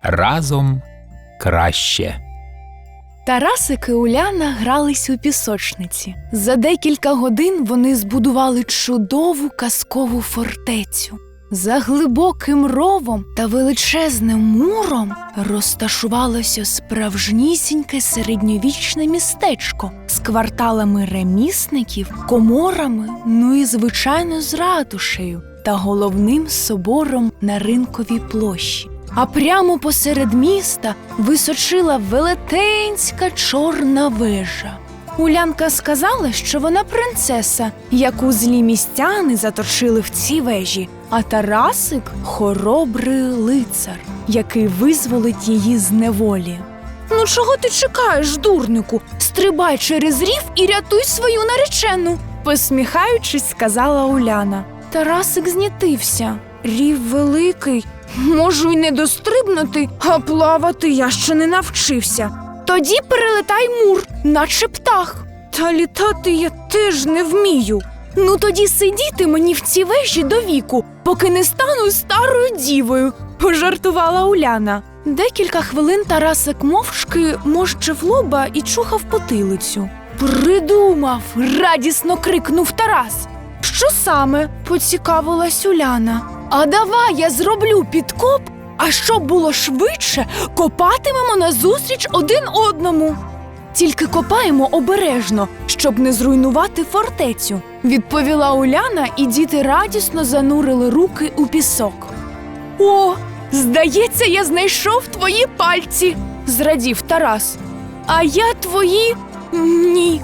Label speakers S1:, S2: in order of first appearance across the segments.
S1: Разом краще.
S2: Тарасик і Уляна грались у пісочниці. За декілька годин вони збудували чудову казкову фортецю. За глибоким ровом та величезним муром розташувалося справжнісіньке середньовічне містечко з кварталами ремісників, коморами, ну і, звичайно, з ратушею та головним собором на Ринковій площі. А прямо посеред міста височила велетенська чорна вежа. Улянка сказала, що вона принцеса, яку злі містяни заточили в цій вежі, а Тарасик – хоробрий лицар, який визволить її з неволі. «Ну чого ти чекаєш, дурнику? Стрибай через рів і рятуй свою наречену!» Посміхаючись, сказала Уляна. Тарасик знітився. Рів великий. Можу й не дострибнути, а плавати я ще не навчився. Тоді перелетай мур, наче птах. Та літати я теж не вмію. Ну тоді сидіти мені в цій вежі до віку, поки не стану старою дівою, пожартувала Уляна. Декілька хвилин Тарасик мовчки морщив лоба і чухав потилицю. Придумав! Радісно крикнув Тарас. Що саме? Поцікавилась Уляна. А давай я зроблю підкоп, а щоб було швидше, копатимемо назустріч один одному. Тільки копаємо обережно, щоб не зруйнувати фортецю, відповіла Уляна, і діти радісно занурили руки у пісок. О, здається, я знайшов твої пальці, зрадів Тарас. А я твої? Ні.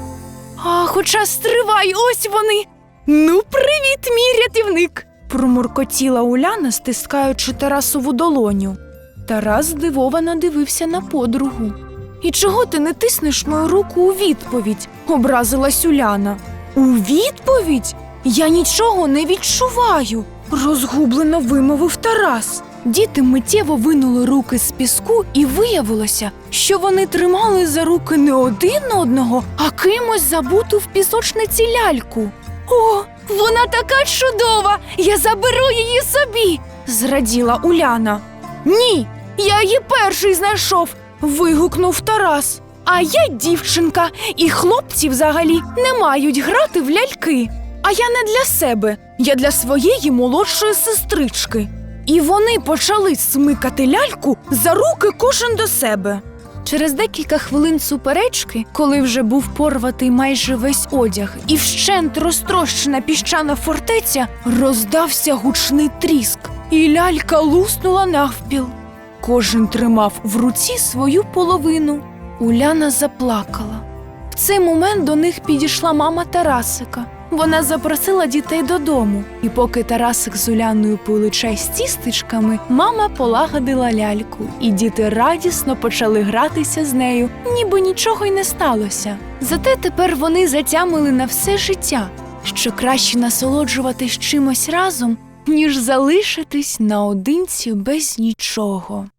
S2: А хоча стривай, ось вони. Ну, привіт, мій рятівник, промуркотіла Уляна, стискаючи Тарасову долоню. Тарас здивовано дивився на подругу. «І чого ти не тиснеш мою руку у відповідь?» – образилась Уляна. «У відповідь? Я нічого не відчуваю!» – розгублено вимовив Тарас. Діти миттєво винули руки з піску, і виявилося, що вони тримали за руки не один одного, а кимось забуту в пісочниці ляльку. «О, вона така чудова! Я заберу її собі!» – зраділа Уляна. «Ні, я її перший знайшов!» – вигукнув Тарас. «А я дівчинка, і хлопці взагалі не мають грати в ляльки. А я не для себе, я для своєї молодшої сестрички». І вони почали смикати ляльку за руки кожен до себе. Через декілька хвилин суперечки, коли вже був порватий майже весь одяг і вщент розтрощена піщана фортеця, роздався гучний тріск, і лялька луснула навпіл. Кожен тримав в руці свою половину. Уляна заплакала. В цей момент до них підійшла мама Тарасика. Вона запросила дітей додому. І поки Тарасик з Уляною пили чай з тістечками, мама полагодила ляльку, і діти радісно почали гратися з нею, ніби нічого й не сталося. Зате тепер вони затямили на все життя, що краще насолоджуватись чимось разом, ніж залишитись наодинці без нічого.